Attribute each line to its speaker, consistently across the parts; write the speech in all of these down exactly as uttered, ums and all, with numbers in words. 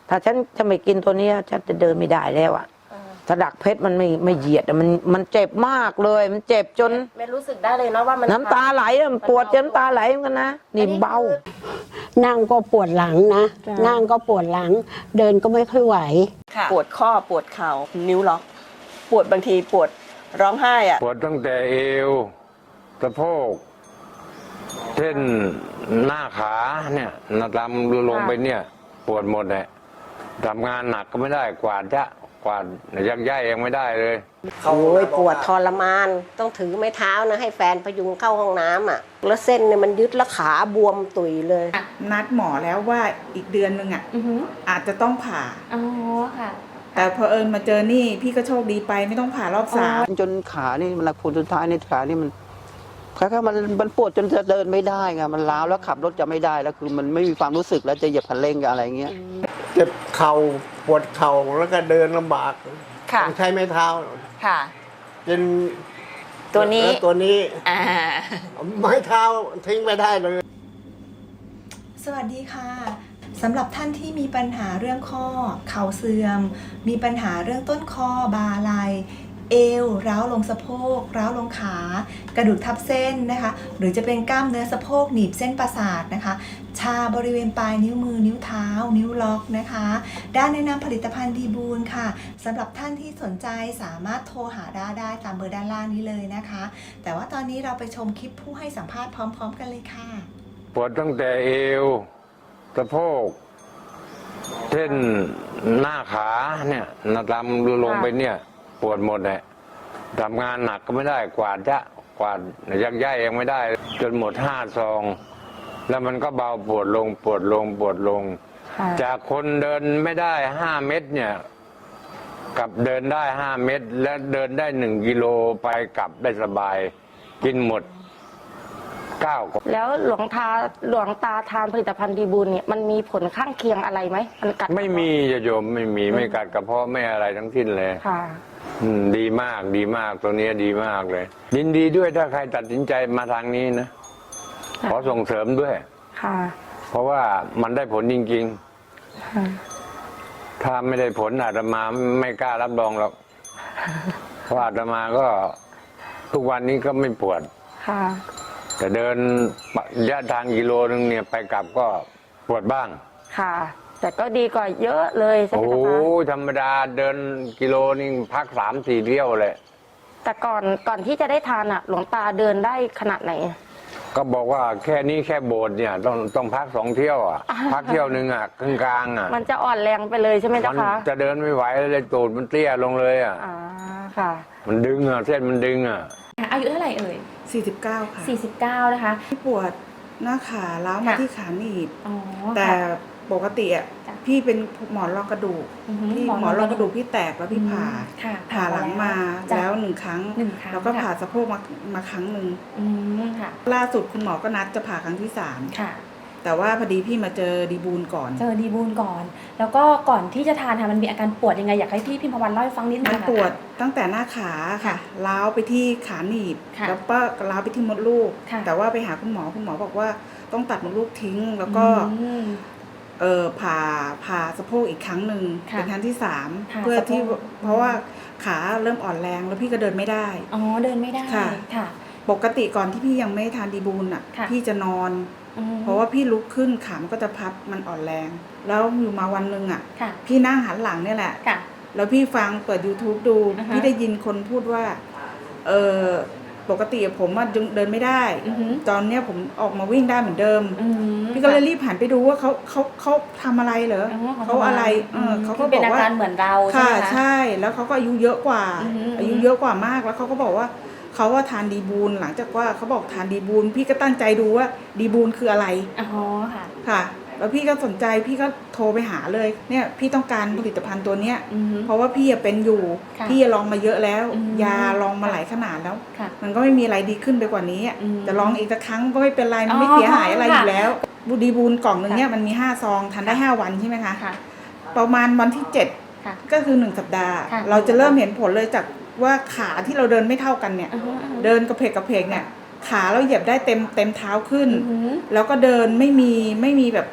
Speaker 1: ถ้าฉันจะไม่กินตัวนี้ฉันจะเดินไม่ได้แล้วอะถ้าดักเพชรมันไม่ไม่เหยียดมันมันเจ็บมากเลยมันเจ็บจน
Speaker 2: แม่รู้สึกได้เลยเนาะว่ามัน
Speaker 1: น้ำตาไหลมันปวดจนน้ำตาไหลเหมือนกันนะนี่เบา
Speaker 3: นั่งก็ปวดหลังนะนั่งก็ปวดหลังเดินก็ไม่ค่อยไหว
Speaker 2: ปวดข้อปวดเข่านิ้วล็อกปวดบางทีปวดร้องไห้อะ
Speaker 4: ปวดตั้งแต่เอวสะโพกเช่นหน้าขาเนี่ยนาดำลงไปเนี่ยปวดหมดเลยทำงานหนักก็ไม่ได้กวาดจะกวาดยักย้ายเองไม่ได้เลย
Speaker 3: โอ้ยปวดทรมานต้องถือไม้เท้านะให้แฟนพยุงเข้าห้องน้ำอ่ะแล้วเส้นเนี่ยมันยึดแล้วขาบวมตุยเลย
Speaker 5: นัดหมอแล้วว่าอีกเดือนนึงอ่ะอาจจะต้องผ่า
Speaker 6: อ๋อค่ะ
Speaker 5: แต่พอเอิญมาเจอนี่พี่ก็โชคดีไปไม่ต้องผ่ารอบสาม
Speaker 1: จนขานี่มันผลสุดท้ายในขานี่มันแค่มันมันปวดจนจะเดินไม่ได้ไงมันล้าวแล้วขับรถจะไม่ได้แล้วคือมันไม่มีความรู้สึกแล้วจะเหยียบคันเร่งกับอะไรเงี้ย
Speaker 7: เจ็บเข่าปวดเข่าแล้วก็เดินลำบากต้องใช้ไม้เท้า
Speaker 2: ค่ะ
Speaker 7: เป็น
Speaker 2: ตัวนี้
Speaker 7: ตัวนี้ไม้เท้าทิ้งไม่ได้เลย
Speaker 8: สวัสดีค่ะสำหรับท่านที่มีปัญหาเรื่องข้อเข่าเสื่อมมีปัญหาเรื่องต้นคอบ่าไหล่เอวร้าวลงสะโพกร้าวลงขากระดูกทับเส้นนะคะหรือจะเป็นกล้ามเนื้อสะโพกหนีบเส้นประสาทนะคะชาบริเวณปลายนิ้วมือนิ้วเท้านิ้วล็อกนะคะด้านแนะนำผลิตภัณฑ์ดีบูลค่ะสำหรับท่านที่สนใจสามารถโทรหาด้าได้ตามเบอร์ด้านล่างนี้เลยนะคะแต่ว่าตอนนี้เราไปชมคลิปผู้ให้สัมภาษณ์พร้อมๆกันเลยค่ะ
Speaker 4: ปวดตั้งแต่เอวสะโพกเช่นหน้าขาเนี่ยนาดำลงไปเนี่ยปวดหมดเลยทำงานหนักก็ไม่ได้กวาดจะกวาดยักย้ายเองไม่ได้จนหมดห้าซองแล้วมันก็เบาปวดลงปวดลงปวดลงจากคนเดินไม่ได้ห้าเมตรเนี่ยกลับเดินได้ห้าเมตรและเดินได้หนึ่งกิโลไปกลับได้สบายกินหมดเก้า
Speaker 6: แล้วหลวงตาหลวงตาทานผลิตภัณฑ์ดีบูลเนี่ยมันมีผลข้างเคียงอะไรไหมมันกัด
Speaker 4: ไม่มีโยมไม่มีไม่กัดกระเพาะไม่อะไรทั้งสิ้นเลย
Speaker 6: ค่ะ
Speaker 4: ดีมากดีมากตัวนี้ดีมากเลยยินดีด้วยถ้าใครตัดสินใจมาทางนี้นะขอส่งเสริมด้วย
Speaker 6: ค่ะ
Speaker 4: เพราะว่ามันได้ผลจริงๆถ้าไม่ได้ผลอาตมาไม่กล้ารับรองหรอกเพราะอาตมาก็ทุกวันนี้ก็ไม่ปวด
Speaker 6: ค่ะ
Speaker 4: แต่เดินระยะทางกิโลนึงเนี่ยไปกลับก็ปวดบ้าง
Speaker 6: ค่ะแต่ก็ดีกว่าเยอะเลยใช่ไหมคะ
Speaker 4: โอ้ธรรมดาเดินกิโลนึงพักสามสี่เที่ยวเลย
Speaker 6: แต่ก่อนก่อนที่จะได้ทานอ่ะหลวงตาเดินได้ขนาดไหน
Speaker 4: ก็บอกว่าแค่นี้แค่โบสถ์เนี่ยต้องต้องพักสองเที่ยวอ่ะพักเที่ยวหนึ่งอ่ะกลางกลางอ่ะ
Speaker 6: มันจะอ่อนแรงไปเลยใช่ไหมเจ้าคะ
Speaker 4: จะเดินไม่ไหวเลยตูดมันเตี้ยลงเลยอ่ะ
Speaker 6: อ่าค่ะ
Speaker 4: มันดึงอ่ะเส้นมันดึงอ่ะ
Speaker 6: อายุเท่าไหร่เอ่ย
Speaker 5: สี่สิบเก้าค่ะ
Speaker 6: สี่สิบเก้านะคะ
Speaker 5: ปวดหน้าขาล้าวมาที่ขาหนีบแต่ปกติอ่ะพี่เป็นหมอนรองกระดูกพี่หมอนรองกระดูกพี่แตกแล้วพี่ผ่าผ่าหลังมาแล้วหนึ่งครั้งแล้วก็ผ่าสะโพกมามาครั้งหนึ่งล่าสุดคุณหมอก็นัดจะผ่าครั้งที่สามแต่ว่าพอดีพี่มาเจอดีบูลก่อน
Speaker 6: เจอดีบูลก่อนแล้วก็ก่อนที่จะทานค่ะมันมีอาการปวดยังไงอยากให้พี่พิมพวันเล่าให้ฟังนิดนึง
Speaker 5: มันปวดตั้งแต่หน้าขาค่ะล้าวไปที่ขาหนีบแล้วก็ล้าวไปที่มดลูกแต่ว่าไปหาคุณหมอคุณหมอบอกว่าต้องตัดมดลูกทิ้งแล้วก็เออผ่าผ่าสะโพกอีกครั้งหนึ่งเป็นครั้งที่สามเพื่อที่เพราะว่าขาเริ่มอ่อนแรงแล้วพี่ก็เดินไม่ได้
Speaker 6: อ๋อเดินไม่ได้
Speaker 5: ค่ะปกติก่อนที่พี่ยังไม่ทานดีบูลอ่ะพี่จะนอนเพราะว่าพี่ลุกขึ้นขามันก็จะพับมันอ่อนแรงแล้วอยู่มาวันหนึ่งอ่ะพี่นั่งหันหลังเนี่ยแหละแล้วพี่ฟังเปิด ยูทูบ ดูพี่ได้ยินคนพูดว่าเออปกติผมว่าเดินไม่ได้ตอนเนี้ยผมออกมาวิ่งได้เหมือนเดิมพี่ก็เลยรีบหันไปดูว่าเขาเขาเขาทำอะไรเหรอเขาอะไรเออเขาก็บอกว่า
Speaker 6: เหมือนเรา
Speaker 5: ค่ะใช่แล้วเขาก็อายุเยอะกว่าอายุเยอะกว่ามากแล้วเขาก็บอกว่าเขาว่าทานดีบูลหลังจากว่าเขาบอกทานดีบูลพี่ก็ตั้งใจดูว่าดีบูลคืออะไร
Speaker 6: อ๋อค่ะ
Speaker 5: ค่ะแล้วพี่ก็สนใจพี่ก็โทรไปหาเลยเนี่ยพี่ต้องการผลิตภัณฑ์ตัวเนี้ยเพราะว่าพี่เป็นอยู่พี่ลองมาเยอะแล้วยาลองมาหลายขนาดแล้วมันก็ไม่มีอะไรดีขึ้นไปกว่านี้จะลองอีกสักครั้งก็ไม่เป็นไรมันไม่เสียหายอะไรอยู่แล้วบูดีบูลกล่องนึงเนี่ยมันมีห้าซองทานได้ห้าวันใช่ไหมคะประมาณวันที่เจ็ดก็คือหนึ่งสัปดาห์เราจะเริ่มเห็นผลเลยจากว่าขาที่เราเดินไม่เท่ากันเนี่ยเดินกระเพกกระเพกเนี่ยขาเราเหยียบได้เต็มเต็มเท้าขึ้นแล้วก็เดินไม่มีไม่มีแบบไป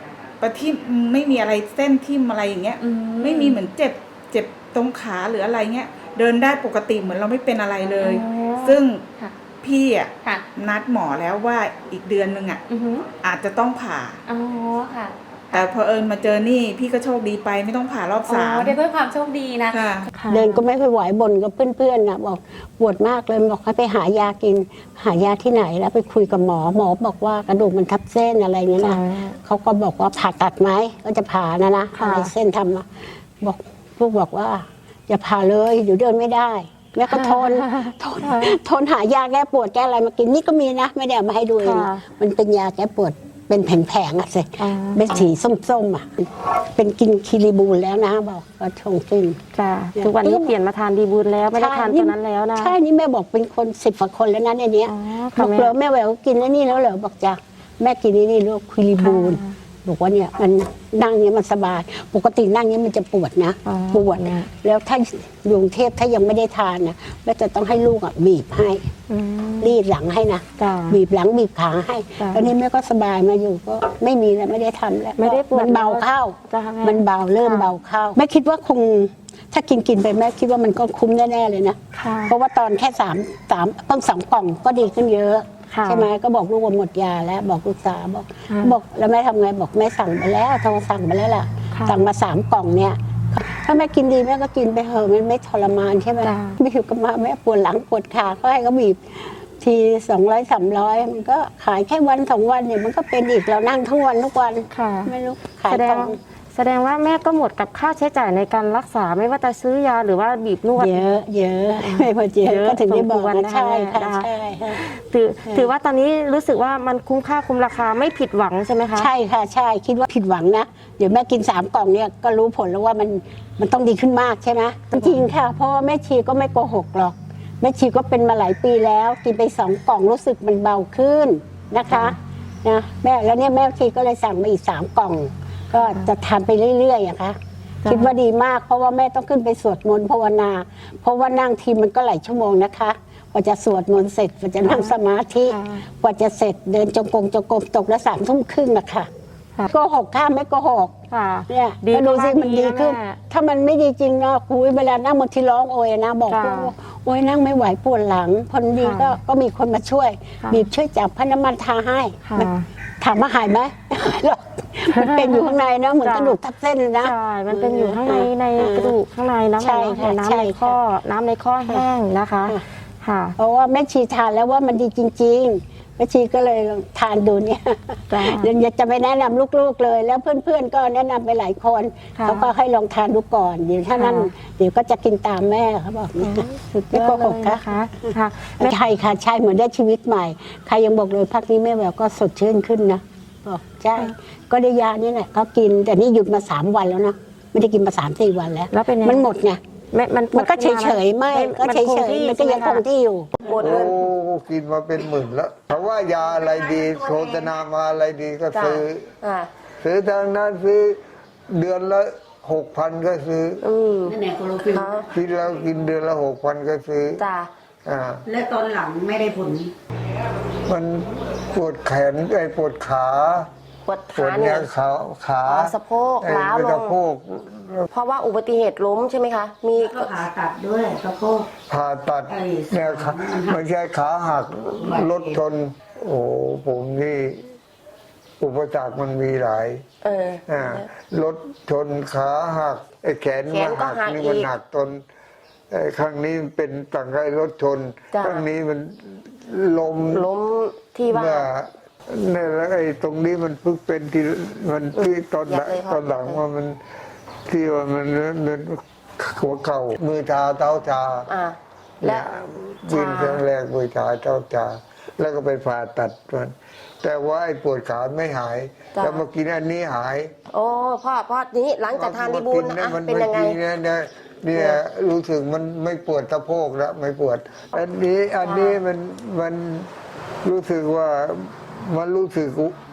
Speaker 5: ประทิ่มไม่มีอะไรเส้นทิ่มอะไรอย่างเงี้ย
Speaker 2: อื
Speaker 5: ไม่มีเหมือนเจ็บเจ็บตรงขาหรืออะไรเงี้ยเดินได้ปกติเหมือนเราไม่เป็นอะไรเลย
Speaker 2: อ๋อ
Speaker 5: ซึ่ง
Speaker 2: ค่ะ
Speaker 5: พี่อ่ะ
Speaker 2: ค่ะ
Speaker 5: นัดหมอแล้วว่าอีกเดือนนึงอ่ะ
Speaker 2: อือหือ
Speaker 5: อาจจะต้องผ่า
Speaker 2: อ๋อค่ะ
Speaker 5: แต่พอเอิญมาเจอนี่พี่ก็โชคดีไปไม่ต้องผ่ารอบ
Speaker 2: อ๋อ
Speaker 5: สาม
Speaker 2: ได้เพื่อความโชคดีนะ
Speaker 5: ค่ะ
Speaker 2: ค่ะ
Speaker 3: เดินก็ไม่ค่อยไหวบ่นกับเพื่อนๆนะบอกปวดมากเลยบอกให้ไปหายากิน หายาที่ไหนแล้วไปคุยกับหมอหมอบอกว่ากระดูกมันทับเส้นอะไรเงี้ยนะเขาก็บอกว่าผ่าตัดไหมก็จะผ่านะนะ
Speaker 2: ค่ะ
Speaker 3: อะไรเส้นทำอะบอกลูกบอกว่าอย่าผ่าเลยเดี๋ยวเดินไม่ได้แม่ก็ทนทนทนหายาแก้ปวดแก้อะไรมากินนี่ก็มีนะไม่ได้เอามาให้ดูเอง
Speaker 6: ค่ะ
Speaker 3: มันเป็นยาแก้ปวดเป็นแผงๆอะสิ
Speaker 6: อ๋อ
Speaker 3: เป็นสีส้มๆอะเป็นกินคิริบูลแล้วนะบอกก็ชงกิน
Speaker 6: จ้ะทุกวันนี้เปลี่ยนมาทานดีบูลแล้วไม่ได้ทานตัวนั้นแล้วนะ
Speaker 3: ใช่นี่แม่บอกเป็นคนสิบกว่าคนแล้วนะในเนี้ย
Speaker 6: อ๋อ
Speaker 3: บอก
Speaker 6: ค่ะ
Speaker 3: เลยแม่แหววกินแล้วนี่แล้วเหรอบอกจ้ะแม่กินนี่นี่ลูกคิริบูล
Speaker 6: ค่ะ
Speaker 3: บอกว่าเนี่ยมันนั่งเนี้ยมันสบาย ปกตินั่งเนี้ยมันจะปวดนะ
Speaker 6: อ๋อ
Speaker 3: ปวดแล้วถ้าอยู่กรุงเทพถ้ายังไม่ได้ทานนะแม่จะต้องให้ลูกอ่ะบีบให้
Speaker 6: อืม
Speaker 3: รีดหลังให้นะ
Speaker 6: จ้ะ
Speaker 3: บีบหลังบีบขาให้
Speaker 6: จ้ะ
Speaker 3: ตอนนี้แม่ก็สบายมาอยู่ก็ไม่มีแล้วไม่ได้ทำแล้ว
Speaker 6: ไม่ได้ปวด
Speaker 3: มันเบาเข้า
Speaker 6: จ้ะแม่
Speaker 3: มันเบาเริ่ม
Speaker 6: ค่ะ
Speaker 3: เบาเข้าแม่คิดว่าคงถ้ากินกินไปแม่คิดว่ามันก็คุ้มแน่ๆเลยนะ
Speaker 6: ค่ะ
Speaker 3: เพราะว่าตอนแค่สามสามเพิ่งสองกล่องก็ดีขึ้นเยอะ
Speaker 6: ค่ะ
Speaker 3: ใช่ไหมก็บอกลูกว่าหมดยาแล้วบอกลูกสาวบอก
Speaker 6: ค่ะ
Speaker 3: บอกแล้วแม่ทำไงบอกแม่สั่งไปแล้วโทรสั่งไปแล้วล่ะ
Speaker 6: ค่ะ
Speaker 3: สั่งมาสามกล่องเนี่ย ถ้าแม่กินดีแม่ก็กินไปเถอะมันไม่ทรมานใช่ไหม
Speaker 6: จ้ะ
Speaker 3: ไม่ถึงกับมาแม่ปวดหลังปวดขาก็ให้เขาบีบทีสองร้อยสามร้อยมันก็ขายแค่วันสองวันเนี่ยมันก็เป็นอีกเรานั่งทั้งวันทุกวัน
Speaker 6: ค่ะ
Speaker 3: ไม่รู้ขาย
Speaker 6: แสด
Speaker 3: ก
Speaker 6: ง
Speaker 3: ล่อง
Speaker 6: แสดงว่าแม่ก็หมดกับค่าใช้จ่ายในการรักษาไม่ว่าจะซื้อยาหรือว่าบีบนวด
Speaker 3: เยอะเยอะไม่พอเย
Speaker 6: เย
Speaker 3: อะ
Speaker 6: อะ
Speaker 3: ก็ถึงได้บอก
Speaker 6: สมควร
Speaker 3: ว่า
Speaker 6: นะคะ
Speaker 3: ใช่ค่ะ
Speaker 6: แม่
Speaker 3: ใช่ค่ะ
Speaker 6: ถือถือว่าตอนนี้รู้สึกว่ามันคุ้มค่าคุ้มราคาไม่ผิดหวังใช่ไหมคะ
Speaker 3: ใช่ค่ะใช่คิดว่าผิดหวังนะเดี๋ยวแม่กินสามกล่องเนี่ยก็รู้ผลแล้วว่ามันมันต้องดีขึ้นมากใช่ไหมจริงๆค่ะเพราะว่าแม่ชีก็ไม่โกหกหรอกแม่ชีก็เป็นมาหลายปีแล้วกินไปสองกล่องรู้สึกมันเบาขึ้นนะคะนะแม่แล้วเนี่ยแม่ชีก็เลยสั่งมาอีกสามกล่อง ก็จะทานไปเรื่อยๆอะค่ะ
Speaker 6: จ้ะ
Speaker 3: คิดว่าดีมากเพราะว่าแม่ต้องขึ้นไปสวดมนต์ภาวนา เพราะว่านั่งทีมันก็หลายชั่วโมงนะคะกว่าจะสวดมนต์เสร็จกว่าจะนั่งสมาธิ
Speaker 6: ค่ะ
Speaker 3: กว่าจะเสร็จเดินจงกรมจงกรมตกละสามทุ่มครึ่งนะคะ
Speaker 6: ค่ะ
Speaker 3: โกหกข้ามไม่โกหก
Speaker 6: ค่ะ
Speaker 3: เนี่ย
Speaker 6: ดี
Speaker 3: ก็ดูสิ
Speaker 6: ก็ว่า
Speaker 3: มัน
Speaker 6: ดี
Speaker 3: ดีขึ้น
Speaker 6: นะแม่
Speaker 3: ถ้ามันไม่ดีจริงเนาะคุยเวลานั่งบนที่ร้องโอยนะบอก
Speaker 6: จ้ะ
Speaker 3: ว่าโอยนั่งไม่ไหวปวดหลังพอดี
Speaker 6: ค่ะ
Speaker 3: ก็ก็มีคนมาช่วย
Speaker 6: ค่ะ
Speaker 3: บีบช่วยจับพระน้ำมันทาให้
Speaker 6: ค่ะ
Speaker 3: มันถามว่าหายไหมไม่หายหรอกมันเป็นอยู่ข้างในนะเหมือน
Speaker 6: จ้ะ
Speaker 3: กระดูกทับเส้นเลยนะ
Speaker 6: ใช่ มันเป็นอยู่ข้างในในกระดูกข้างในนะ
Speaker 3: ใช่
Speaker 6: แม่
Speaker 3: ค่ะ
Speaker 6: เนาะ
Speaker 3: ใช่
Speaker 6: น้ำใน
Speaker 3: ค่ะ
Speaker 6: ข้อ น้ำในข้อแห้งนะคะ
Speaker 3: ค่ะ
Speaker 6: ค่ะ
Speaker 3: เพราะว่าแม่ชีทานแล้วว่ามันดีจริงๆแม่ชีก็เลยลองทานดูเนี่ย
Speaker 6: จ้ะ
Speaker 3: เดี๋ยวจะไปแนะนำลูกๆเลย แล้วเพื่อนๆก็แนะนำไปหลายคน
Speaker 6: ค่ะ
Speaker 3: เขาก็ให้ลองทานดูก่อนเดี๋ยวถ้านั้น
Speaker 6: ค่ะ
Speaker 3: เดี๋ยวก็จะกินตามแม่เขาบอกเนี่ย
Speaker 6: สุดย
Speaker 3: ไม่
Speaker 6: อ
Speaker 3: โก
Speaker 6: ดเล
Speaker 3: หก
Speaker 6: ย
Speaker 3: ค่ะ
Speaker 6: นะคะค่ะแม่
Speaker 3: ใช่ค่ะใช่เหมือนได้ชีวิตใหม่ ใครยังบอกเลยพักนี้แม่แววก็สดชื่นขึ้นนะบอกใช่ก็ได้ยานี่แหละก็กินแต่นี่หยุดมาสามวันแล้วนะไม่ได้กินมาสามสี่วันแล้ว
Speaker 6: แล้วเป็นไง
Speaker 3: มันหมดไง
Speaker 6: แม่มันปวด
Speaker 3: มันก็เฉ
Speaker 6: ขึ้นาย
Speaker 3: ๆไม่
Speaker 6: แล้ว
Speaker 3: ก็เฉย
Speaker 6: คง
Speaker 3: ๆ
Speaker 6: ที่
Speaker 3: มันก็ยังคงที่อยู่
Speaker 2: ปวด
Speaker 7: โอ้
Speaker 2: เลย
Speaker 7: กินมาเป็นหมื่นแล้วเขาว่ายาอะไรดีโฆษณามาอะไรดีก็
Speaker 2: จ้ะ
Speaker 7: ซื้อ
Speaker 2: อ่า
Speaker 7: ซื้อทางนั้นซื้อเดือนละหกพันก็ซื้อ
Speaker 2: อืม
Speaker 3: นั่นแหละโคโลฟิล
Speaker 2: อ๋อ
Speaker 7: คิดแล้วกินเดือนละหกพันก็ซื้อ
Speaker 2: จ้า
Speaker 7: อ่า
Speaker 3: และตอนหลังไม่ได้ผล
Speaker 7: มันปวดแขนไอ้ปวดขา
Speaker 2: ปวด
Speaker 7: ปว
Speaker 2: ขา
Speaker 7: ด
Speaker 2: เนี่
Speaker 7: เนี่ย ยขาขา
Speaker 2: อ๋อสะโพก
Speaker 7: ไอ้
Speaker 2: ล้าวลง
Speaker 7: สะโพก
Speaker 2: เพราะว่าอุบัติเหตุล้มใช่ไหมคะ มี
Speaker 3: ก็ผ่าตัดด้วยสะโพก
Speaker 7: ผ่าตัด
Speaker 3: ไอ้
Speaker 7: เนี่ยขาไม่ใช่ขาหักรถชน โอ้ผมนี่อุปสรรคมันมีหลาย
Speaker 2: เออ
Speaker 7: อ่ารถชนขาหักไอ้แขน
Speaker 2: แข
Speaker 7: มัน
Speaker 2: ก็
Speaker 7: หัก
Speaker 2: หัก
Speaker 7: นี่
Speaker 2: อีก
Speaker 7: มันหักตนไอ้ข้างนี้เป็นต่างกับไอ้รถชน
Speaker 2: จ้ะ
Speaker 7: ข้างนี้มันลม
Speaker 2: ล้มที่ว่า
Speaker 7: เนี่ยเนี่ยแล้วไอ้ตรงนี้มันเพิ่งเป็นที่มันที่ตอนหลัง
Speaker 2: อยากเลยครับ
Speaker 7: ตอนหลังว่ามันที่ว่ามันมันหัวเข่ามือชาเท้าชา
Speaker 2: อ่า
Speaker 7: เนี่
Speaker 2: และ
Speaker 7: ยวินครั้งแรกมือชาเท้าชาแล้วก็ไปผ่าตัดมันแต่ว่าไอ้ปวดขาไม่หาย แล้วมากินอันนี้หาย
Speaker 2: โอ้พ่อพ่อนี้หลังจากทานดีบูล
Speaker 7: มากิ
Speaker 2: อ่ะ
Speaker 7: มั
Speaker 2: เป็นยังไง
Speaker 7: มื่อกี้เนี่ยเนี่ยเนี่ยรู้สึกมันไม่ปวดสะโพกแล้วไม่ปวด อันนี้อันนี้มันมันรู้สึกว่ามันรู้สึก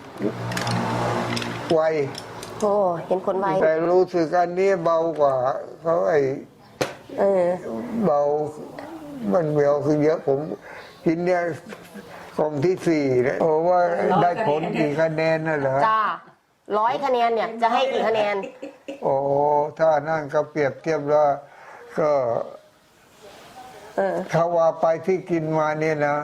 Speaker 7: ไว
Speaker 2: โอ้เห็นผลไว
Speaker 7: แต่รู้สึกอันนี้เบากว่าเขาไอ้
Speaker 2: เออ
Speaker 7: เบามันเบาคือเยอะผมกินเนี่ยกล่องที่สี่เนี่ยโอ้ว่าได้ผลกี่คะแนนน่ะเหรอ
Speaker 2: จ้า
Speaker 6: ร้อยคะแนนเนี่ยจะให้กี่คะแนน
Speaker 7: โอ้ถ้านั่นก็เปรียบเทียบแล้วก็
Speaker 6: เออ
Speaker 7: ถ้าว่าไปที่กินมาเนี่ยนะ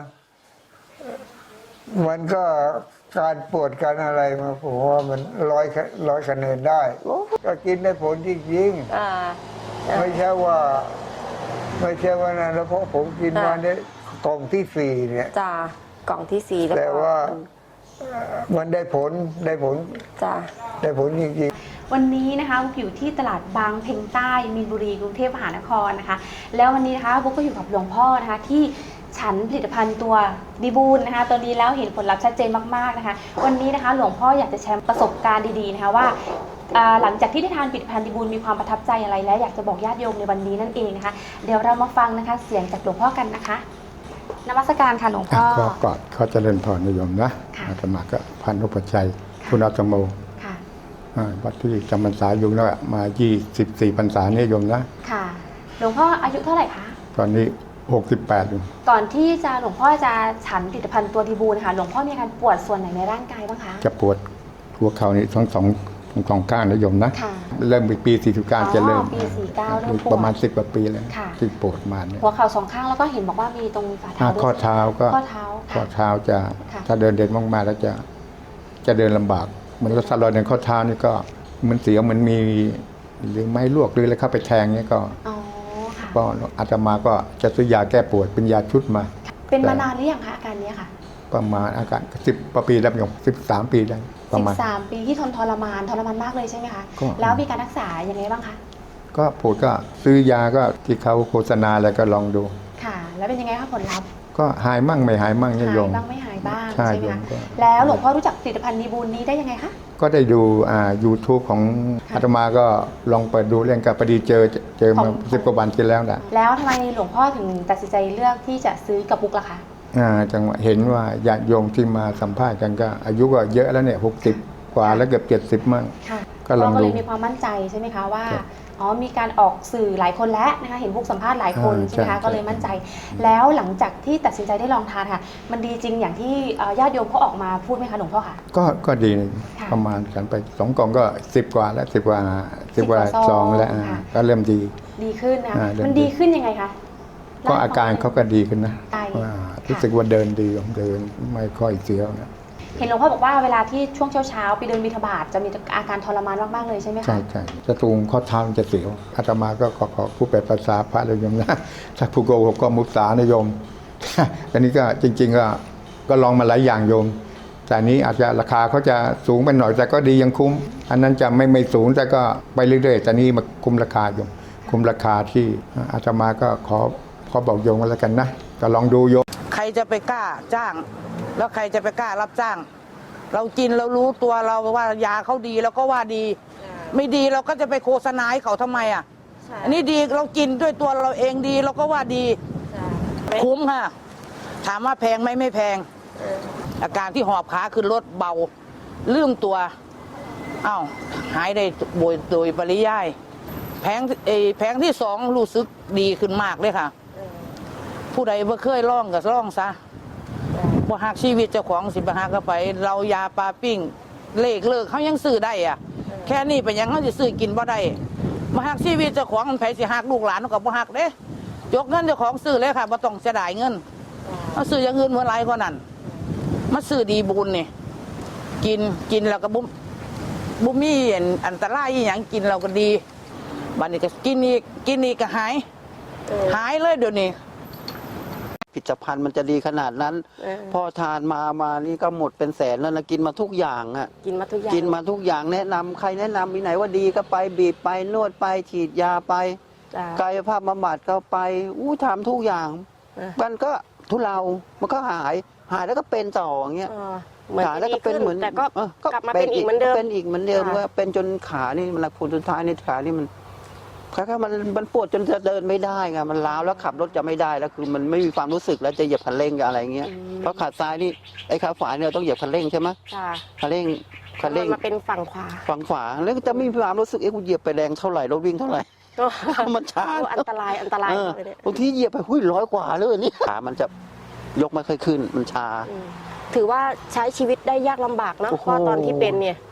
Speaker 7: มันก็การปวดการอะไรมาผมว่ามันร้อยร้อยคะแนนได้ ก็กินได้ผลจริง
Speaker 6: อ่า
Speaker 7: ๆไม่ใช่ว่า ไม่ใช่ว่านะแล้วเพราะผมกินมาเนี่ยกล่องที่สี่เนี่ย
Speaker 6: จ้ากล่องที่สี่แล้ว
Speaker 7: แต่
Speaker 6: ก็
Speaker 7: ว่าเอ่อมันได้ผลได้ผล
Speaker 6: จ้า
Speaker 7: ได้ผลจริงๆ
Speaker 9: วันนี้นะคะบุ๊กอยู่ที่ตลาดบางเพ็งใต้มีนบุรีกรุงเทพมหานครนะคะแล้ววันนี้นะคะบุ๊กก็อยู่กับหลวงพ่อนะคะที่ฉันผลิตภัณฑ์ตัวดีบูลนะคะตัวนี้แล้วเห็นผลลัพธ์ชัดเจนมากๆนะคะวันนี้นะคะหลวงพ่ออยากจะแชร์ประสบการณ์ดีๆนะคะว่าอ่าหลังจากที่ได้ทานผลิตภัณฑ์ดีบูลมีความประทับใจอะไรและอยากจะบอกญาติโยมในวันนี้นั่นเองนะคะเดี๋ยวเรามาฟังนะคะเสียงจากหลวงพ่อกันนะคะนมัสการค่ะหลวงพ่อ
Speaker 10: ก็กอดเขาเจริญพรนิยมนะ
Speaker 9: ค่ะ
Speaker 10: อาตมาก็พันธุปชชัยคุณอาตโม
Speaker 9: ค่ะ
Speaker 10: อ่าวัดที่จำพรรษาอยู่แล้วมายี่สิบสี่พรรษานิยมนะ
Speaker 9: ค่ะหลวงพ่ออายุเท่าไหร่คะ
Speaker 10: ตอนนี้หกสิบแปดอยู่
Speaker 9: ก่อนที่จะหลวงพ่อจะฉันผลิตภัณฑ์ตัวดีบูลนะคะหลวงพ่อมีอาการปวดส่วนไหนในร่างกายบ้างคะ
Speaker 10: จะปวดหัวเข่านี่ทั้งสองทั้งสองข้างนิยมนะ
Speaker 9: ค่ะ
Speaker 10: เริ่มปีสี่สิบเก้าจะเริ่ม
Speaker 9: อ๋อปีสี่สิบเก้าเริ่มปวด
Speaker 10: ประมาณสิบกว่าปีแล้ว
Speaker 9: ค่ะ
Speaker 10: ที่ปวดมาเนี่ย
Speaker 9: หัวเข่าสองข้างแล้วก็เห็นบอกว่ามีตรงฝ่า
Speaker 10: อ่า
Speaker 9: เท้าด้วย
Speaker 10: ข้อเท้าก็
Speaker 9: ข้อเท้า
Speaker 10: ข้อ
Speaker 9: ค่ะ
Speaker 10: เท้าจะ
Speaker 9: ค่ะ
Speaker 10: ถ้าเดินเด่นมากๆแล้วจะจะเดินลำบากเหมือนรถสลอยในข้อเท้านี่ก็เหมันเสียวเหมันมีหรือไม้ลวกหรืออะไรเข้าไปแทงเนี่ยก็
Speaker 9: อ๋อค่ะ
Speaker 10: ก็อาตมาก็จะซื้อยาแก้ปวดเป็นยาชุดมา
Speaker 9: เป็นมานานหรือยังคะอาการเนี้ยค่ะ
Speaker 10: ประมาณอาการสิบปีแล้วโยมสิบสามปีได้ประ
Speaker 9: สิ
Speaker 10: มาณ
Speaker 9: บสามปีที่ทนทรมานทรมานมากเลยใช่ไหมคะ
Speaker 10: ก็
Speaker 9: แล้วมีการรักษายังไงบ้างคะ
Speaker 10: ก็ปวดก็ซื้อยาก็ที่เขาโฆษณาอะไรก็ลองดู
Speaker 9: ค่ะ แล้วเป็นยังไงคะผลลัพธ์
Speaker 10: ก็หายมั่งไม่หายมั่งเนี่ย
Speaker 9: หา
Speaker 10: โย
Speaker 9: ย
Speaker 10: ม
Speaker 9: บ้างไม่หายบ้าง
Speaker 10: ใช่
Speaker 9: ใช่ไหม
Speaker 10: โยม
Speaker 9: คะ
Speaker 10: ก็
Speaker 9: แล้วหลวงพ่อรู้จักผลิตภัณฑ์ดีบูลนี้ได้ยังไงคะ
Speaker 10: ก็ได้ดูอ่า YouTube ของ
Speaker 9: ค่ะ
Speaker 10: อาตมาก็ลองเปิดดูเรื่องกับพอดีเจอเจอ
Speaker 9: ขอ
Speaker 10: มาง สิบกว่าวันที่แล้วนะ
Speaker 9: แล้วทำไมหลวงพ่อถึงตัดสินใจเลือกที่จะซื้อกับบุ๊กล่ะคะ
Speaker 10: อ่าจังหวะเห็นว่าญาติโยมที่มาสัมภาษณ์กันก็ อายุก็เยอะแล้วเนี่ยหกสิบกว่าแล้วเกือบเจ็ดสิบมั่ง
Speaker 9: ค่ะ
Speaker 10: ก็ลอง
Speaker 9: เราก็
Speaker 10: ดู
Speaker 9: เลยมีความมั่นใจใช่ไหมคะว่า
Speaker 10: ครับ
Speaker 9: อ๋อมีการออกสื่อหลายคนแล้วนะคะเห็นพวกสัมภาษณ์หลายคน
Speaker 10: อ่า
Speaker 9: ใช่ไหมคะ
Speaker 10: ใช่
Speaker 9: ก็เลยมั่นใจ แล้วหลังจากที่ตัดสินใจได้ลองทานค่ะ มันดีจริงอย่างที่เอ่อญาติโยมเขาออกมาพูดไหมคะหลวงพ่อค่ะ
Speaker 10: ก็ก็ดี
Speaker 9: ค่ะ
Speaker 10: ประมาณฉันไปสองกล่องก็สิบกว่าแล้วสิบกว่าสิบกว่า
Speaker 9: สิบกว่า
Speaker 10: ซ
Speaker 9: ซ
Speaker 10: อ
Speaker 9: อง ง
Speaker 10: แล้วอ่า
Speaker 9: ค่ะ
Speaker 10: ก็เริ่มดี
Speaker 9: ดีขึ้นนะคะ
Speaker 10: อ่าเริ่ม
Speaker 9: มันดีขึ้นยังไงคะ
Speaker 10: ก็อาการเขาก็ดีขึ้นนะ
Speaker 9: ใช่
Speaker 10: ว่ารู้สึกว่าเดินดีเดินไม่ค่อยเสียวนะ
Speaker 9: เห็นหลวงพ่อบอกว่าเวลาที่ช่วงเช้าๆไปเดินบิณฑบาตจะมีอาการทรมานมากๆเลยใช่ไหมคะ
Speaker 10: ใช่ใช่จะตูงข้อเท้ามันจะเสียวอาตมาก็ขอขอผู้แปลภาษาพระเลยโยมนะ ถ้าผู้โกหกก็มุสานะโยม อันนี้ก็จริง ๆ ก็ก็ลองมาหลายอย่างโยม แต่อันนี้อาจจะราคาเขาจะสูงไปหน่อยแต่ก็ดียังคุ้ม อันนั้นจะไม่ไม่สูงแต่ก็ไปเรื่อยๆแต่นี่มาคุ้มราคาโยม คุ้มราคาที่อาตมาก็ขอขอบอกโยมกันแล้วกันนะก็ลองดูโยม
Speaker 11: ใครจะไปกล้าจ้าง แล้วใครจะไปกล้ารับจ้าง เรากินเรารู้ตัวเราว่ายาเขาดีเราก็ว่าดี ไม่ดีเราก็จะไปโฆษณาให้เขาทำไมอ่ะอันนี้ดีเรากินด้วยตัวเราเองดีเราก็ว่าดีคุ้มค่ะ ถามว่าแพงไหมไม่แพง อาการที่หอบขาขึ้นรถเบาลืมตัวอ้าวหายได้โดยโดยปริยายแพงเออแพงที่สองรู้สึกดีขึ้นมากเลยค่ะ ผู้ใดบ่เคยล่องก็ล่องซะบ่หักชีวิตเจ้าของสิบ่หักก็ไป เรายาปลาปิ้งเลขเลิกเขายังซื้อได้อ่ะ แค่นี้เป็นหยังเขาสิซื้อกินบ่ได้บ่หักชีวิตเจ้าของมันไผสิหักลูกหลานเขาก็บ่หักเด้ยกเงินเจ้าของซื้อเลยค่ะบ่ต้องเสียดายเงินเอาซื้ออย่างอื่นเมื่อไรกว่านั้นมาซื้อดีบุญนี่กินกินแล้วก็บ่บ่มีอันตรายอีหยังกินเราก็ดีบัดนี้ก็กินอีกกินอีกก็หายหายเลยเดี๋ยวนี้
Speaker 1: ผลิตภัณฑ์มันจะดีขนาดนั้น
Speaker 6: เออ
Speaker 1: พอทานมามานี่ก็หมดเป็นแสนแล้วนะกินมาทุกอย่างอ่ะ
Speaker 6: กินมาทุกอย่าง
Speaker 1: กินมาทุกอย่างแนะนำใครแนะนำมีไหนว่าดีก็ไปบีบไปนวดไปฉีดยาไป
Speaker 6: จ้ะ
Speaker 1: กายภาพบำบัดก็ไปอู้ทำทุกอย่าง
Speaker 6: เออ
Speaker 1: มันก็ทุเลามันก็หายหายแล้วก็เป็นต่ออย่างเงี้ย
Speaker 6: เออเหมือน
Speaker 1: ขา
Speaker 6: จะ
Speaker 1: แล้ว
Speaker 6: ดี
Speaker 1: ก็เป็น
Speaker 6: ขึ้น
Speaker 1: เหมือน
Speaker 6: แต่ก็
Speaker 1: เออก
Speaker 6: ลับมาเป็นอีกเหมือนเดิม
Speaker 1: เป็นอีกเหมือนเดิม
Speaker 6: ค่ะ
Speaker 1: ว่าเป็นจนขานี่มันผลสุดท้ายในขานี่มันคล้ายๆมันมันปวดจนจะเดินไม่ได้ไงมันล้าวแล้วขับรถจะไม่ได้แล้วคือมันไม่มีความรู้สึกแล้วจะเหยียบคันเร่งกับอะไรเงี้ยเพราะขาซ้ายนี่ไอ้ขาขวาเนี่ยเราต้องเหยียบคันเร่งใช่ไหม
Speaker 6: จ้ะ
Speaker 1: คันเร่งคัน
Speaker 6: มั
Speaker 1: เร่
Speaker 6: น
Speaker 1: ง
Speaker 6: มาเป็นฝั่งขวา
Speaker 1: ฝั่งขวาแล้วก็จะไม่มีความรู้สึกเอ๊ะกูเหยียบไปแรงเท่าไหร่รถวิ่งเท่าไหร่ มันช้า
Speaker 6: โอ้อันตรายอันตราย
Speaker 1: เออ
Speaker 6: เลยเนี่ย
Speaker 1: บางทีเหยียบไปหุ้ยร้อยกว่าเลยนี่ขามันจะยกไม่ค่อยขึ้นมันชา
Speaker 6: อืมถือว่าใช้ชีวิตได้ยากลำบากเนอะ
Speaker 1: โอ้โห
Speaker 6: เพราะตอนที่เป็นเนี่ย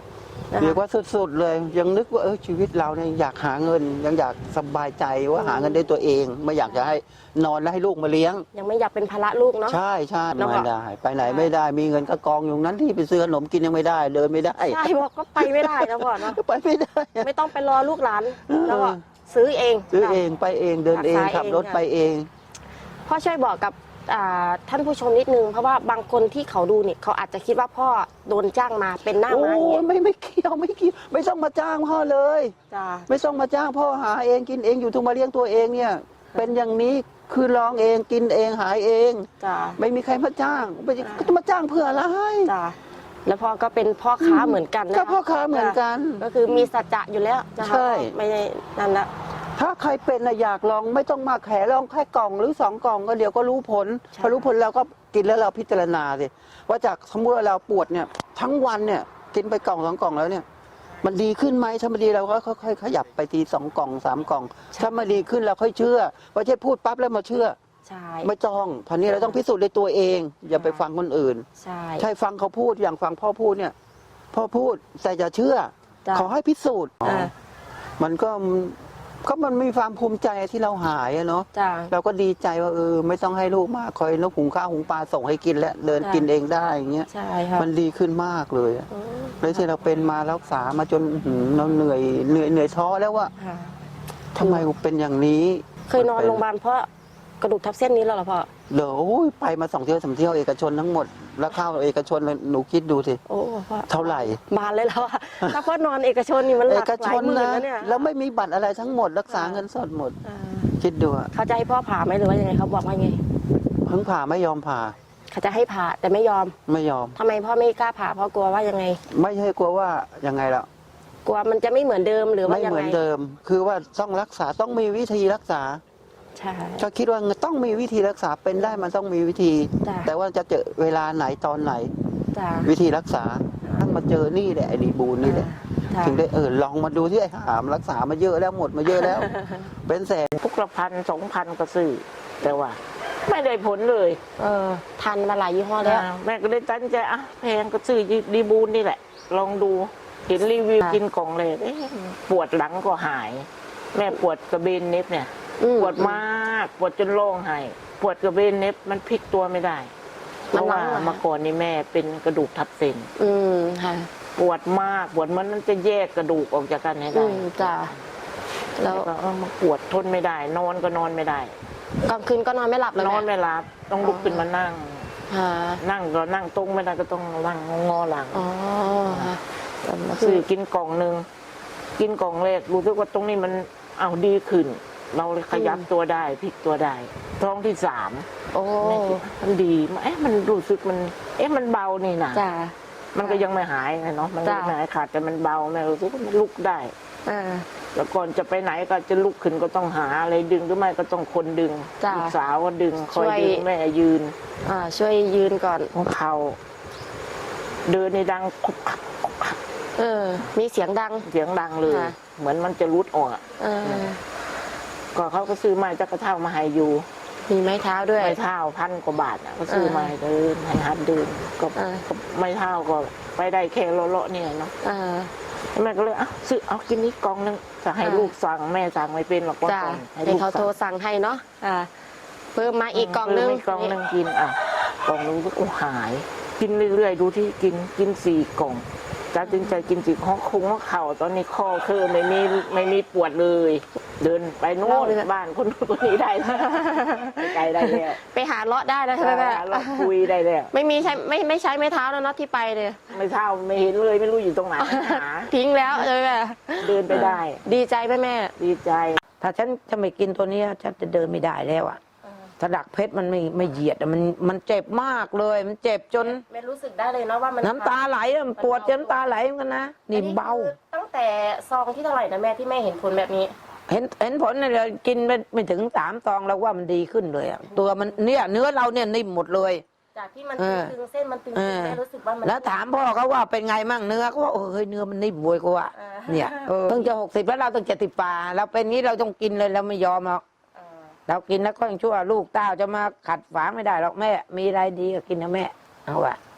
Speaker 2: นะคะ
Speaker 1: เรียกว่าสุดๆเลยยังนึกว่าเออชีวิตเราเนี่ยอยากหาเงิน ยังอยากสบายใจว่าหาเงินได้ตัวเอง ไม่อยากจะให้นอนแล้วให้ลูกมาเลี้ยง
Speaker 2: ยังไม่อยากเป็นภาระลูกเนาะ
Speaker 1: ใช่ใช่
Speaker 2: แล้วก็
Speaker 1: ไม่ได้ ไปไหนไม่ได้มีเงินก็กองอยู่นั้นที่ไปซื้อขนมกินยังไม่ได้เดินไม่ได้
Speaker 2: ใช่บอกก็ไปไม่ได้นะพ่อเนาะ
Speaker 1: ไปไม่ได้
Speaker 2: ไม่ต้องไปรอลูกหลานแล้วก็ซื้อเอง
Speaker 1: ซื้อเองไปเองเดินเอง
Speaker 2: รักษา
Speaker 1: ขับรถ
Speaker 2: เอง
Speaker 1: ไปเอง
Speaker 2: พ่อช่วยบอกกับอ่าท่านผู้ชมนิดนึงเพราะว่าบางคนที่เขาดูเนี่ยเขาอาจจะคิดว่าพ่อโดนจ้างมาเป็นหน้า
Speaker 1: โอ้
Speaker 2: ม้าอย่างเงี้
Speaker 1: ย
Speaker 2: ย
Speaker 1: ไม่ไม่เกี่ยวไม่เกี่ยวไม่ต้องมาจ้างพ่อเลย
Speaker 2: จ้า
Speaker 1: ไม่ต้องมาจ้างพ่อหาเองกินเองอยู่ทุกมาเลี้ยงตัวเองเนี่ย เป็นอย่างนี้คือลองเองกินเองหายเอง
Speaker 2: จ้า
Speaker 1: ไม่มีใครมาจ้างไม่ก็จะมาจ้างเพื่ออะไร
Speaker 2: จ้าแล้วพ่อก็เป็นพ่อค้าเหมือนกันนะ
Speaker 1: ก็พ่อค้าเหมือนกัน
Speaker 2: ก็คือมีสัจจะอยู่แล้วนะคะ
Speaker 1: ใช่
Speaker 2: ไม่ได้นั่นละ
Speaker 1: ถ้าใครเป็นนะอยากลองไม่ต้องมาแขลองแค่กล่องหรือสองกล่องก็เดี๋ยวก็รู้ผล
Speaker 2: ใช่
Speaker 1: พอรู้ผลเราก็กินแล้วเราพิจารณาสิว่าจากสมมติว่าเราปวดเนี่ยทั้งวันเนี่ยกินไปกล่องสองกล่องแล้วเนี่ย มันดีขึ้นไหมถ้ามันดีเราก็ค่อยๆขยับไปทีสองกล่องสามกล่อง ถ้ามันดีขึ้นเราค่อยเชื่อไม่ใช่พูดปั๊บแล้วมาเชื่อ
Speaker 2: ใช่
Speaker 1: ไม่ต้องพันนี้เราต้องพิสูจน์ในตัวเอง อย่าไปฟังคนอื่น
Speaker 2: ใช่
Speaker 1: ใช่ฟังเขาพูดอย่างฟังพ่อพูดเนี่ยพ่อพูดแต่อย่าเชื่อ
Speaker 2: จ้ะ
Speaker 1: ขอให้พิสูจน์
Speaker 2: อ่า
Speaker 1: มันก็ก็มันมีความภูมิใจที่เราหายอะเนาะ
Speaker 2: จ้า
Speaker 1: เราก็ดีใจว่าเออไม่ต้องให้ลูกมาคอยนกหุงข้าวหุงปลาส่งให้กินแล้วเดิน
Speaker 2: จ้ะ
Speaker 1: กินเองได้อย่างเงี้ย
Speaker 2: ใช่ค่ะ
Speaker 1: มันดีขึ้นมากเลยอะ
Speaker 2: อืม
Speaker 1: เลยที่เราเป็นมารักษามาจนอื้อหือเราเหนื่อยเหนื่อยเหนื่อยท้อแล้วว่า
Speaker 2: ค่ะ
Speaker 1: ทำไมกูเป็นอย่างนี้
Speaker 2: เคยนอนโรงพยาบาลเพราะกระดูกทับเส้นนี้แล้วเหรอพ่อ
Speaker 1: เดี๋ยวโอ้ยไปมาสองเที่ยวสามเที่ยวเอกชนทั้งหมดแล้วเข้าเอกชนเลยหนูคิดดูสิ
Speaker 2: โอ้พ่อ
Speaker 1: เท่าไหร่
Speaker 2: บานเลยแล้วอะถ้าพ่อนอนเอกชนนี่มันห
Speaker 1: เอ
Speaker 2: ลัก
Speaker 1: ก
Speaker 2: ห
Speaker 1: ช
Speaker 2: ลาย
Speaker 1: น
Speaker 2: หมื่น
Speaker 1: นะ
Speaker 2: แล้วเนี่ย
Speaker 1: แล้วไม่มีบัตรอะไรทั้งหมด รักษาเงินสดหมด
Speaker 2: อ่า
Speaker 1: คิดดูอะ
Speaker 2: เขาจะให้พ่อผ่าไหมหรือว่ายังไงเขาบอกว่าไง
Speaker 1: เพิ่งผ่าไม่ยอมผ่า
Speaker 2: เขาจะให้ผ่าแต่ไม่ยอม
Speaker 1: ไม่ยอม
Speaker 2: ทำไมพ่อไม่กล้าผ่าเพราะกลัวว่ายังไง
Speaker 1: ไม่ใช่กลัวว่ายังไงล่ะ
Speaker 2: กลัวมันจะไม่เหมือนเดิมหรือว่า
Speaker 1: ไม่
Speaker 2: ยัง
Speaker 1: เหมื
Speaker 2: ไง
Speaker 1: อนเดิม คือว่าต้องรักษาต้องมีวิธีรักษา
Speaker 2: ใช่
Speaker 1: ก็คิดว่าต้องมีวิธีรักษาเป็นได้มันต้องมีวิธี
Speaker 2: จ้ะ
Speaker 1: แต่ว่าจะเจอเวลาไหนตอนไหน
Speaker 2: จ้า
Speaker 1: วิธีรักษาต้องมาเจอนี่แหละไอ้ดีบูนนี่แหละ
Speaker 2: จ้า
Speaker 1: ถึงได้เออลองมาดูที่ไอ้หามรักษามาเยอะแล้วหมดมาเยอะแล้ว เป็นแสน
Speaker 11: ทุกละพันสองพันก็ซื้อแต่ว่า ไม่ได้ผลเลย
Speaker 2: เออทันมาหลายยี่ห้อแล้ว
Speaker 11: อ่าแม่ก็เลยตั้งใจอ่ะแพงก็ซื้อดีบูนนี่แหละ ลองดูเห็นรีวิว
Speaker 2: ค่ะ
Speaker 11: กินกล่องเลยเอ๊ะปวดหลังก็หาย แม่ปวดกระเบนเน็บเนี่ย
Speaker 2: อืม
Speaker 11: ปวดมากปวดจนร้องไห้ปวดกระเบนเน็บมันพลิกตัวไม่ได้เพ
Speaker 2: มัน
Speaker 11: ราะว่า
Speaker 2: หลังเหรอคะ
Speaker 11: เมื่อก่อนนี่แม่เป็นกระดูกทับเส้น
Speaker 2: อืมค่ะ
Speaker 11: ปวดมากปวดมันมันจะแยกกระดูกออกจากกันให้
Speaker 2: อื
Speaker 11: ได้
Speaker 2: มจ้าแล้
Speaker 11: แล้ว วก็เออมาปวดทนไม่ได้ นอนก็นอนไม่ได้
Speaker 2: กลางคืนก็นอนไม่หลับเลย
Speaker 11: นอน
Speaker 2: แม่
Speaker 11: ไม่หลับต้องลุกขึ้นมานั่ง
Speaker 2: ค่ะ
Speaker 11: นั่งก็นั่งตรงไม่ได้ก็ต้องนั่งงอหลัง
Speaker 2: อ๋อค่ะ
Speaker 11: แล้วมาซื้อกินกล่องหนึ่งกินกล่องแรกรู้สึกว่าตรงนี้มันเอาดีขึ้น เราเลยขยับตัวได้พลิกตัวได้ท้องที่สาม
Speaker 2: โอ้
Speaker 11: แม่คิดมันดีเอ๊ะมันรู้สึกมัน เอ๊ะมันเบานี่นะ
Speaker 2: จ้า
Speaker 11: มันก็ยังไม่หายไงเนาะมันก็
Speaker 2: จ้ะ
Speaker 11: ไม่หายขาดแต่มันเบาแม่รู้สึกว่ามันลุกได้
Speaker 2: อ่า
Speaker 11: แล้วก่อนจะไปไหนก็จะลุกขึ้นก็ต้องหาอะไรดึงหรือไม่ก็ต้องคนดึง
Speaker 2: จ้ะ
Speaker 11: ลูกสาวก็ดึงคอย
Speaker 2: ช่วย
Speaker 11: ดึงแม่ยืน
Speaker 2: อ่าช่วยยืนก่อน
Speaker 11: ของเขาเดินในดังคุกคักคุกคัก
Speaker 2: เออ มีเสียงดัง
Speaker 11: เสียงดังเลย
Speaker 2: ค่ะ
Speaker 11: เหมือนมันจะรุดออกอะ
Speaker 2: เออ
Speaker 11: ก็เขาก็ซื้อไม้จักระเท่ามาให้อยู่
Speaker 2: มีไม้เท้าด้วย
Speaker 11: ไม้เท่าพันกว่าบาทอ่ะก็ซื้อมาให้เดินให้หัดเดินก็
Speaker 2: อ่า
Speaker 11: ก็ไม้เท่าก็ไปได้แค่เลาะๆเนี่ยเนาะ
Speaker 2: อ่า
Speaker 11: แม่ก็เลยเอ้าซื้อเอากินนี้กล่องนึงจะให้
Speaker 2: อ่า
Speaker 11: ลูกสั่งแม่สั่งไม่เป็นหรอกว่า
Speaker 2: จ้า
Speaker 11: ก่อน
Speaker 2: ให้
Speaker 11: ลูก
Speaker 2: เขาโทร
Speaker 11: สั่ง
Speaker 2: สั่งให้เนาะอ่าเพิ่มมาอีกกล่องนึง
Speaker 11: ซื้กล่องนึงกินอ่ะกล่องนึงก็โอ้หาย กินเรื่อยๆดูที่กินกินสี่กล่องตัดสินใจกินสี่ข้อคงว่าเข่าตอนนี้ข้อคือไม่มีไม่มีปวดเลย เดินไปโน่นบ้านคนนู้นคนนี้ได้แล้วไปไกลได้แล้ว
Speaker 2: ไปหาเลาะได้แล้วใช่ไหมแม่
Speaker 11: เราคุยได้แล้ว
Speaker 2: ไม่มีใช้ไม่ไม่ใช้ไม้เท้าแล้วเนาะที่ไปเนี่ย
Speaker 11: ไม่เท่าไม่เห็นเลยไม่รู้อยู่ตรงไหนหา
Speaker 2: ทิ้งแล้วใช่ไหมแม่
Speaker 11: เดินไปได้
Speaker 2: ดีใจไหมแม่
Speaker 11: ดีใจ
Speaker 12: ถ้าฉันจะไม่กินตัวเนี้ยฉันจะเดินไม่ได้แล้วอ่ะถ้าดักเพชรมันไม่ไม่เหยียดอะมันมันเจ็บมากเลย มันเจ็บจน
Speaker 2: ไม่รู้สึกได้เลยเนาะว่ามัน
Speaker 12: น้ำตาไหลอะมันปวดจนน้ำตาไหลเหมือนกันนะนี่เบา
Speaker 2: คือตั้งแต่ซองที่เท่าไหร่นะแม่ที่แม่เห็นผลแบบนี้
Speaker 12: เห็นเห็นผลเนี่ยเรากินไปไม่ถึงสามซองแล้วว่ามันดีขึ้นเลยอะตัวมันเนี่ยเนื้อเราเนี่ยนิ่มหมดเลย
Speaker 2: จากที่มัน
Speaker 12: เออ
Speaker 2: ตึงๆเส้นมันตึง
Speaker 12: เออ
Speaker 2: ๆแม่รู้สึกว่ามัน
Speaker 12: แล้วถามพ่อเขาว่าเป็นไงมั่งเนื้อเขาว่าเออเฮ้ยเนื้อมันนิ่มบวยกว่า
Speaker 2: เออ
Speaker 12: เนี่ยเออเพิ่งจะหกสิบแล้วเราต้องเจ็ดสิบป่าเราเป็นงี้เราต้องกินเลยเราไม่ยอมหรอก
Speaker 2: เออ
Speaker 12: เรากินแล้วก็ยังชั่วลูกเต้าจะมาขัดฝางไม่ได้หรอกแม่ มีอะไรดีก็กินนะแม่เอาวะ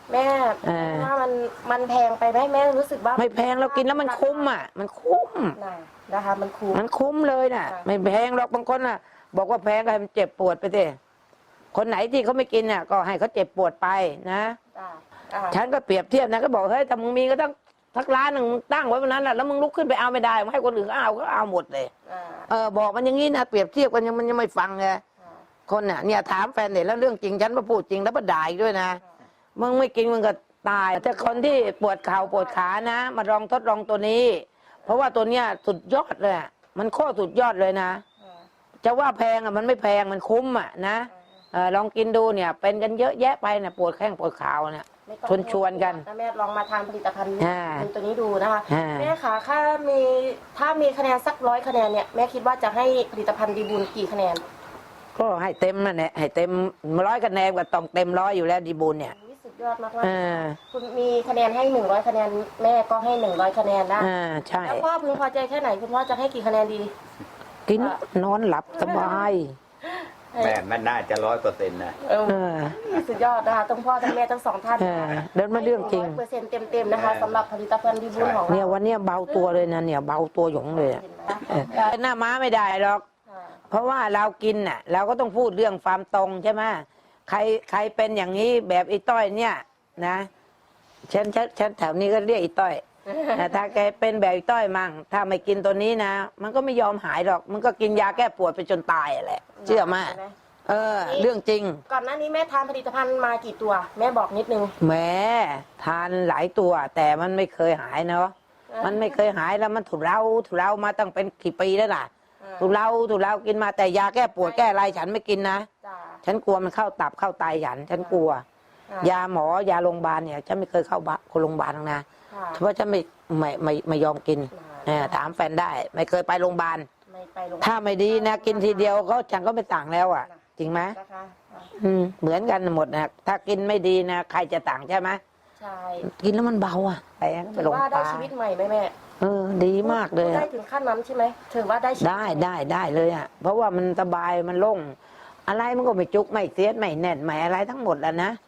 Speaker 2: แม่
Speaker 12: เออ
Speaker 2: ว่ามันมันแพงไปไหมแม่รู้สึกว่า
Speaker 12: ไม่แพงเรากินแล้วมันคุ้มอ่ะ มันคุ้ม
Speaker 2: น่ะนะคะมันคุ้ม
Speaker 12: มันคุ้มเลยน่ะ
Speaker 2: ค่ะ
Speaker 12: ไม่แพงหรอกบางคนน่ะ บอกว่าแพงก็ให้มันเจ็บปวดไปสิคนไหนที่เขาไม่กินน่ะ ก็ให้เขาเจ็บปวดไปนะ
Speaker 2: จ้ะอ่า
Speaker 12: ฉันก็เปรียบเทียบนะก็บอกเฮ้ยถ้ามึงมีก็ต้องทักร้านหนึ่งมึงตั้งไว้วันนั้นแหละแล้วมึงลุกขึ้นไปเอาไม่ได้มึงให้คนอื่นเขาเอาก็เอาหมดเลย
Speaker 2: อ่า
Speaker 12: เออบอกมันอย่างนี้นะเปรียบเทียบกันยังมันยังไม่ฟังไงคนน่ะเนี่ยถามแฟนเนี่ยแล้วเรื่องจริงฉันมาพูดจริงแล้วมาด่าอีกด้วยนะมึงไม่กินมึงก็ตายแต่คนที่ปวดเข่าปวดขานะ มาลองทดลองตัวนี้ เพราะว่าตัวเนี้ยสุดยอดเลยอะมันโคตรสุดยอดเลยนะจะว่าแพงอ่ะมันไม่แพงมันคุ้มอ่ะนะเออลองกินดูเนี่ย เป็นกันเยอะแยะไปนะปวดแข้งปวดขาเนี่ย
Speaker 2: ไม่ต้อง
Speaker 12: ชวนชวนกัน
Speaker 2: ถ้าแม่ลองมาทานผลิตภัณฑ์
Speaker 12: อ่า
Speaker 2: ตัวนี้ดูนะคะ
Speaker 12: อ่า
Speaker 2: แม่คะถ้ามีถ้ามีคะแนนสักร้อยคะแนนเนี่ยแม่คิดว่าจะให้ผลิตภัณฑ์ดีบุญกี่คะแนน
Speaker 12: ก็ให้เต็มนั่นแหละให้เต็มร้อยคะแนนก็ต้องเต็มร้อยอยู่แล้วดีบุญเนี่ย
Speaker 2: อุ๊ยสุดยอดมากๆ
Speaker 12: อ่า
Speaker 2: คุณมีคะแนนให้หนึ่งร้อยคะแนนแม่ก็ให้หนึ่งร้อยคะแนนนะ
Speaker 12: อ่าใช่
Speaker 2: แล้วพ่อพึงพอใจแค่ไหนคุณพ่อจะให้กี่คะแนนดี
Speaker 12: กินนอนหลับสบาย
Speaker 13: แม่มันน่าจะร้อยเปอร์เซ็นต์นะ
Speaker 2: เออ
Speaker 12: เออ
Speaker 2: สุดยอดนะคะทั้งพ่อทั้งแม่ทั้งสองท่าน
Speaker 12: เออเดินมาเรื่องจริง
Speaker 2: เปอร์เซ็นต์เต็มๆนะคะสำหรับผลิตภัณฑ์ดีบุญของ
Speaker 12: เนี่ย
Speaker 2: เรา
Speaker 12: วันเนี้ยเบาตัวเลยนะเนี่ยเบาตัวหยงเลยอะเออหน้าม้าไม่ได้หรอก เพราะว่าเรากินน่ะ เราก็ต้องพูดเรื่องความตรงใช่ไหมใครใครเป็นอย่างนี้แบบไอ้ต้อยเนี่ยนะฉันฉันฉันแถวนี้ก็เรียกไอ้ต้อยแต่ถ้าแกเป็นแบบไอ้ต้อยมั่งถ้าไม่กินตัวนี้นะมันก็ไม่ยอมหายหรอก มันก็กินยาแก้ปวดไปจนตายอะแหละเชื่อมาเออ เรื่องจริง
Speaker 2: ก่อนหน้านี้แม่ทานผลิตภัณฑ์มากี่ตัว แม่บอกนิดนึง
Speaker 12: แหมทานหลายตัว แต่มันไม่เคยหายเนาะมันไม่เคยหายแล้วมันถูกเราถูกเรามาตั้งเป็นกี่ปีแล้วล่ะถูกเราถูกเรากินมาแต่ยาแก้ปวดแก้อะไรฉันไม่กินนะ
Speaker 2: จ้า
Speaker 12: ฉันกลัวมันเข้าตับเข้าไตฉันฉันกลัว ยาหมอยาโรงพยาบาลเนี่ยฉันไม่เคยเข้าบ้านโรงพยาบาลหรอกนะเพราะฉันไม่ไม่ไม่ไม่ยอมกินเออถามแฟนได้ ไม่เคยไปโรงพยาบาล
Speaker 2: ไม่ไปโรงพยาบาล
Speaker 12: ถ้าไม่ดีนะกินทีเดียวก็ฉันก็ไม่ต่างแล้วอ่ะ จริงไหม
Speaker 2: นะคะ
Speaker 12: อืมเหมือนกันหมดนะถ้ากินไม่ดีนะใครจะต่างใช่ไหม
Speaker 2: ใช่
Speaker 12: กินแล้วมันเบาอ่ะไปก็ไป
Speaker 2: ถือ
Speaker 12: ลง
Speaker 2: ว่า
Speaker 12: ป
Speaker 2: ได้
Speaker 12: ลา
Speaker 2: ชีวิตใหม่ไหมแม่
Speaker 12: เออ ดีมากเลย
Speaker 2: ได้
Speaker 12: อะ
Speaker 2: ถึงขั้นนั้นใช่ไหมถือว่าได้ชีวิต
Speaker 12: ได้ได้ได้เลยอ่ะ เพราะว่ามันสบายมันโล่งอะไรมันก็ไม่จุกไม่เสียดไม่แน่นไม่อะไรทั้งหมดแล้วนะ